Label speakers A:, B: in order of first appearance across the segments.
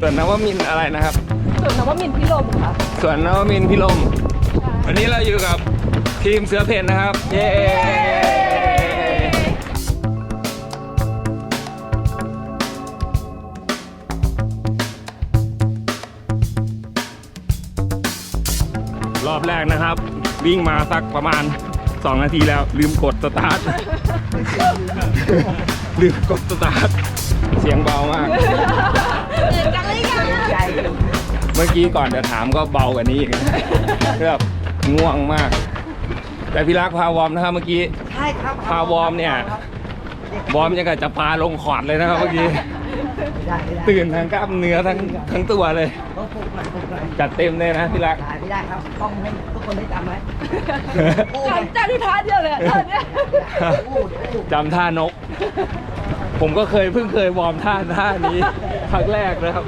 A: วนนวมินทร์อะไรนะครับ
B: สวนนวมินทร์พิรมค่ะ
A: สวนนวมินทร์พิรมวันนี้เราอยู่กับทีมเสือเพ่นนะครับเย้รอบแรกนะครับวิ่งมาสักประมาณ2 นาทีแล้วลืมกดสตาร์ทลืมกดสตาร์ทเสียงเบามากเมื่อกี้ก่อนจะถามก็เบากว่านี้อีกแบบง่วงมากแต่พี่รักพาวอร์มนะครับเมื่อกี้
C: ใช่ครับ
A: พาวอร์มเนี่ยวอร์มยังกับจะปลาลงขอดเลยนะครับเมื่อกี้ตื่นทั้งกล้ามเนื้อทั้งตัวเลยจัดเต็มเลยนะพี่รัก
C: ไม่ได้ครับต้องให้ทุกคนได้จำไว้
B: จำที่ท่าเดียวเลยตอนนี้
A: จำท่านกผมก็เพิ่งเคยวอร์มท่านี้ครั้งแรกนะครับ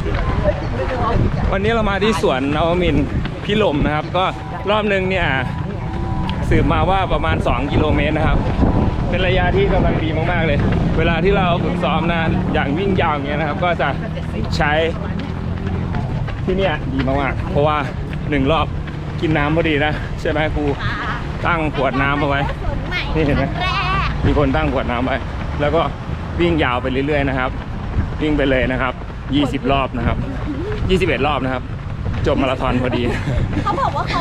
A: วันนี้เรามาที่สวนนวมินทร์พิรมนะครับก็รอบนึงเนี่ยสืบมาว่าประมาณ2 กิโลเมตรนะครับเป็นระยะที่กำลังดีมากๆเลยเวลาที่เราฝึกซ้อมนะอย่างวิ่งยาวอย่างเงี้ยนะครับก็จะใช้ที่เนี่ยดีมากๆเพราะว่า1 รอบกินน้ำพอดีนะใช่ไหมครูตั้งขวดน้ำเอาไว้นี่เห็นไหมมีคนตั้งขวดน้ำไว้แล้วก็วิ่งยาวไปเรื่อยๆนะครับวิ่งไปเลยนะครับ20 รอบนะครับ21 รอบนะครับจบมาราธอนพอดี
B: เขาบอกว่าเขา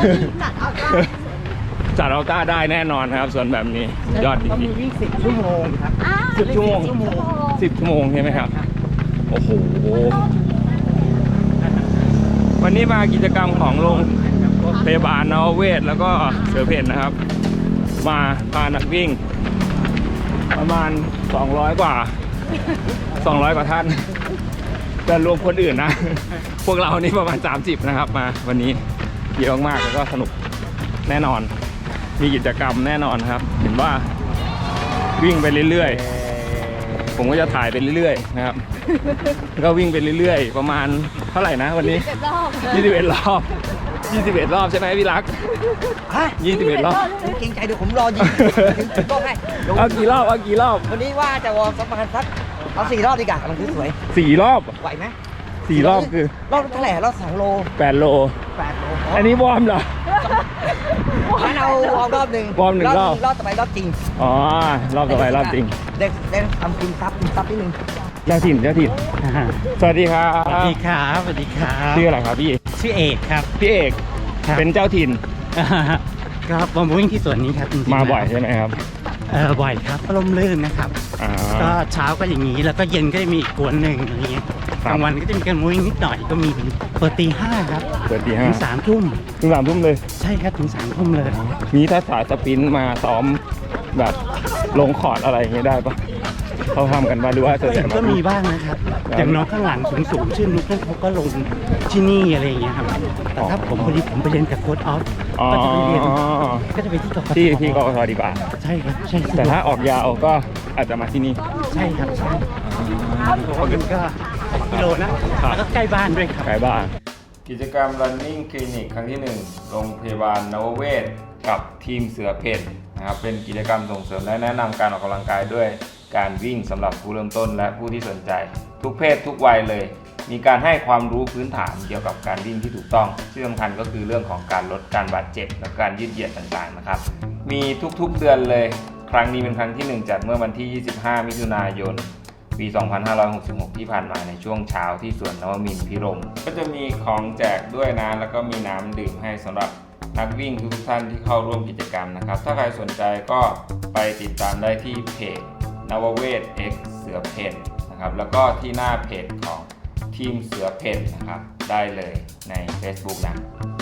A: จัดเอาต้าได้แน่นอนครับส่วนแบบนี้ยอดจริง
C: ๆวิ่ง10 ชั่วโมงครับ
A: 10 ชั่วโมง10 ชั่วโมงใช่ไหมครับโอ้โหวันนี้มากิจกรรมของโรงพยาบาลนวเวศแล้วก็เสือเพ่นนะครับมาพานักวิ่งประมาณ200 กว่าท่านแต่รวมคนอื่นนะพวกเรานี่ประมาณ30นะครับมาวันนี้เยอะมากแล้วก็สนุกแน่นอนมีกิจกรรมแน่นอนครับเห็นว่าวิ่งไปเรื่อยๆผมก็จะถ่ายไปเรื่อยๆนะครับก็วิ่งไปเรื่อยๆประมาณเท่าไหร่นะวันนี้21 รอบใช่ไหมพี่รัก21 รอบ
C: เก่งใจดูผมรอยิงก็ให้
A: เอากี่รอบ
C: วันนี้ว่าจะวอร์มประมาณสักเอา4 รอบดีกว่ามันคือสวย
A: 4 รอบ
C: ไหวไหม
A: 4 รอบคือ
C: รอบเท่าไหร่รอบ2 โล
A: 8 โลอันนี้วอร์มเหรอ
C: งั้นเอาวอร์มรอบ 1
A: วอร์ม1 รอบ
C: ต่อไปรอบจริง
A: อ๋อรอบต่อไปรอบจริง
C: ได้ทำกินซับนิดนึง
A: เจ้าถิ่นสวัสดีครับ
D: สวัสดีครับ
A: ชื่ออะไรครับพี่
D: ชื่อเอกครับ
A: พี่เอกเป็นเจ้าถิ่น
D: ครับผมวิ่งที่สวนนี้ครับ
A: มาบ่อยใช่ไหมครับ
D: บ่อยครับร่มรื่นนะครับก็เช้าก็อย่างนี้แล้วก็เย็นก็จะมีอีกกวนหนึ่งอะไรเงี้ยกลางวันก็จะมีการวิ่งนิดหน่อยก็มีเปิดตี 5ครับ
A: เปิดตี 5
D: ถึง 3 ทุ่ม
A: เลย
D: ใช่ครับถึง 3 ทุ่มเลย
A: มีถ้าสายสปรินต์มาซ้อมแบบลงคอร์ดอะไรอย่างเงี้ยได้ปะเขาทำกันมาดูว่า
D: ก็มีบ้างนะครับอย่างน้องข้างหลังสูงชื่อนุ๊กนั่นเขาก็ลงที่นี่อะไรอย่างเงี้ยครับแต่ถ้าผมพอดีผมไปเรียนกับโค้ชออฟก็จะไปเรียนก็จะไปที่กกท
A: ที่กกทดีกว่า
D: ใช่ครับใช่
A: แต่ถ้าออกยาวก็อาจจะมาที่นี่
D: ใช่ครับใช่ก็กิโลนะแล้วก็ใกล้บ้านด้วยครับ
A: ใกล้บ้านกิจกรรม Running Clinic ครั้งที่1โรงพยาบาลนวเวศกับทีมเสือเพ่นนะครับเป็นกิจกรรมส่งเสริมและแนะนำการออกกำลังกายด้วยการวิ่งสำหรับผู้เริ่มต้นและผู้ที่สนใจทุกเพศทุกวัยเลยมีการให้ความรู้พื้นฐานเกี่ยวกับการวิ่งที่ถูกต้องที่สำคัญก็คือเรื่องของการลดการบาดเจ็บและการยืดเหยียดต่างๆนะครับมีทุกๆเดือนเลยครั้งนี้เป็นครั้งที่1จัดเมื่อวันที่25 มิถุนายนปี 2566 ที่ผ่านมาในช่วงเช้าที่สวนนวมินทร์พิรมก็จะมีของแจกด้วยนะแล้วก็มีน้ำดื่มให้สำหรับนักวิ่งทุกท่านที่เข้าร่วมกิจกรรมนะครับถ้าใครสนใจก็ไปติดตามได้ที่เพจนวเวศ X เสือเพ่นนะครับแล้วก็ที่หน้าเพจของทีมเสือเพ่นนะครับได้เลยใน Facebook นะ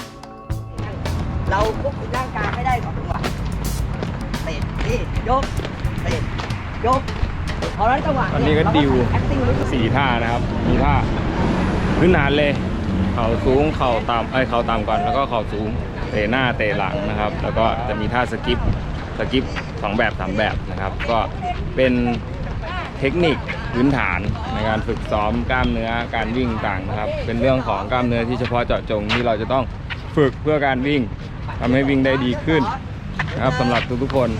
C: เราควบคุมร่างกายไม่ได้ก่อนจังหวะเตะนี่ยกเตะยกพอแล้วจังหวะ
A: วันนี้ก็ดิว4 ท่านะครับมีท่าพื้นฐานเลยเข่าสูงเข่าต่ำก่อนแล้วก็เข่าสูงเตะหน้าเตะหลังนะครับแล้วก็จะมีท่าสกิป2 แบบ 3 แบบนะครับก็เป็นเทคนิคพื้นฐานในการฝึกซ้อมกล้ามเนื้อการวิ่งต่างนะครับเป็นเรื่องของกล้ามเนื้อที่เฉพาะเจาะจงที่เราจะต้องฝึกเพื่อการวิ่งทำให้วิ่งได้ดีขึ้นนะครับสำหรับทุกๆคน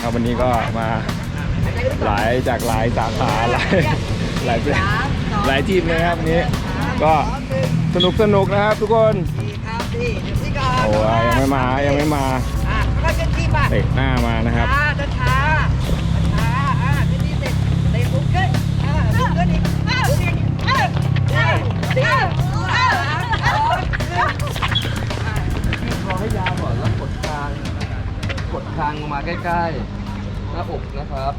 A: ครับวันนี้ก็มาหลายสาขาหลายทีมเลยครับวันนี้ก็สนุกนะครับทุกคน
C: ดีครับดีเดี๋ยวพี่ก่อน
A: โอ้ยยังไม่มา
C: ก็จะที่มา
A: เตะหน้ามานะครับ
C: ช้าที่นี่เสร็จเตะลุกขึ้นลุกขึ้นอีกลุกอีกดีคอให้ยาวก่อนแล้วกดคางลงมาใกล้ๆหน้าอกนะครับ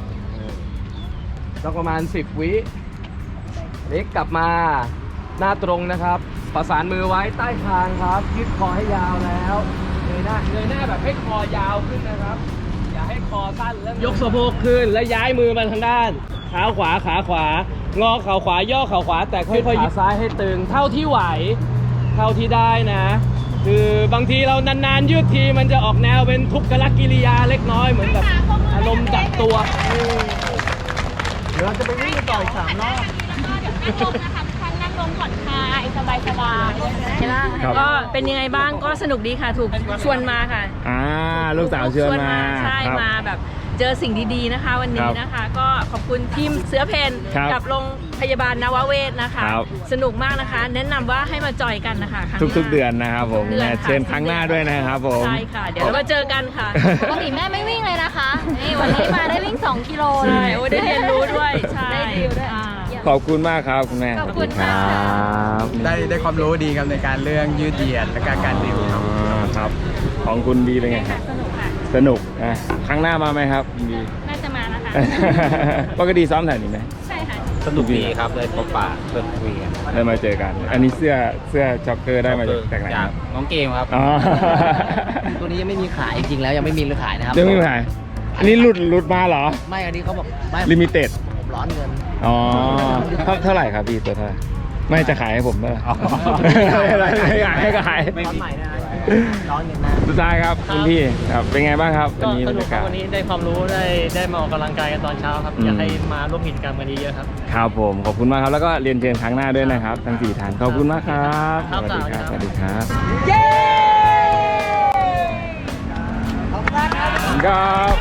C: ต้องประมาณ10 วิเล็กกลับมาหน้าตรงนะครับประสานมือไว้ใต้คางครับยืดคอให้ยาวแล้วเงยหน้าแบบให้คอยาวขึ้นนะครับอย่าให้คอสั้นแล้วยกสะโพกขึ้นและย้ายมือมาทางด้านเท้าขวาขาขวางอเข่าขวาย่อเข่าขวาแต่ค่อยๆขาซ้ายให้ตึงเท่าที่ไหวเท่าที่ได้นะคือบางทีเรานานๆยืดทีมันจะออกแนวเป็นทุกขลกิริยาเล็กน้อยเหมือนแบบอารมณ์จับตัวเดี๋ยวเราจะไปวิ่งต่ออีก3 รอบ
B: นั่งลงผ่อนคลายสบายใช่ไหม
A: ครับ
B: ก็เป็นยังไงบ้างก็สนุกดีค่ะถูกชวนมาค่ะ
A: ลูกสาวเชิญมา
B: ใช่
A: ครับ
B: มาแบบเจอสิ่งดีๆนะคะวันนี้นะคะ ก็ขอบคุณทีมเสือเพน
A: ครับ
B: กับโรงพยาบาลนวเวศนะคะ
A: ครับ
B: สนุกมากนะคะ แนะนำว่าให้มาจอยกันนะคะครั้งหน้า
A: ทุกๆเดือนนะครับผม
B: ทุกเดือนค่ะ
A: เชิญครั้งหน้าด้วยนะครับผม
B: ใช่ค่ะ เดี๋ยวเรามาเจอกันค่ะ
E: ปกติแม่ไม่วิ่งเลยนะคะ นี่วันนี้มาได้วิ่ง 2 กิโลเล
B: ใช่
E: ย
B: โอ้ได้เรียนรู้ด้วยใช่
E: ได้ดีลด้วย
B: อ่า
A: ขอบคุณมากครับคุณแม่
E: ขอบคุณ
A: ค
E: ค่ะ
A: รับ
F: ได้ความรู้ดีครับในการเรื่องยืดเหยียดและการดิวครับ
A: ครับของคุณบีเป็นไงครับ
B: สนุกค่ะ
A: สนุกนะครั้งหน้ามาไหมครับคุณบี
B: น่าจะมานะคะ
A: ปกติซ้อมแถวนี้ไหม
B: ใช่ค่ะ
F: สนุกดีครับเลยพบปะเพื่อนคุยกัน
A: ได้มาเจอกัน อันนี้เสื้อจ็อกเกอร์ได้มาจากไหนครับ
F: น้องเกมครับ
A: อ๋อ
C: ตัวนี้ยังไม่มีขายจริงๆแล้วยังไม่มีขายนะครับ
A: ยังไม่มีขายอันนี้หลุดมาเหรอ
C: ไม่อันนี้เขาบอกไม่
A: ลิมิเต็ด
C: ผมร้อนเงิน
A: อ๋อเท่าไหร่ครับพี่ตัวเท่าไหร่ไม่จะขายให้ผมด้วย
F: อ๋อ
A: ไม่ขายให้ขาย
C: ร้อนใหม่นะร้อนเงินนะ
A: สุดท้ายครับคุณพี่ครับเป็นไงบ้างครับวันนี้
G: ก็
A: บร
G: ส
A: ร
G: นุก
A: ยา
G: ครั
A: กา
G: บ
A: ศ
G: วันนี้ได้ความรู้ได้มาออกกำลังกายกันตอนเช้าครับ อยากให้มาร่วมกิจกรรมกันเยอะๆครับ
A: ครับผมขอบคุณมากครับแล้วก็เรียนเชิญครั้งหน้าด้วยนะครับทั้ง4ท่านขอบคุณมากครับ
G: ครับ
A: สวัสดีครับสวัสดีครับ
C: เย้ขอบคุณมากครับ
A: ครับ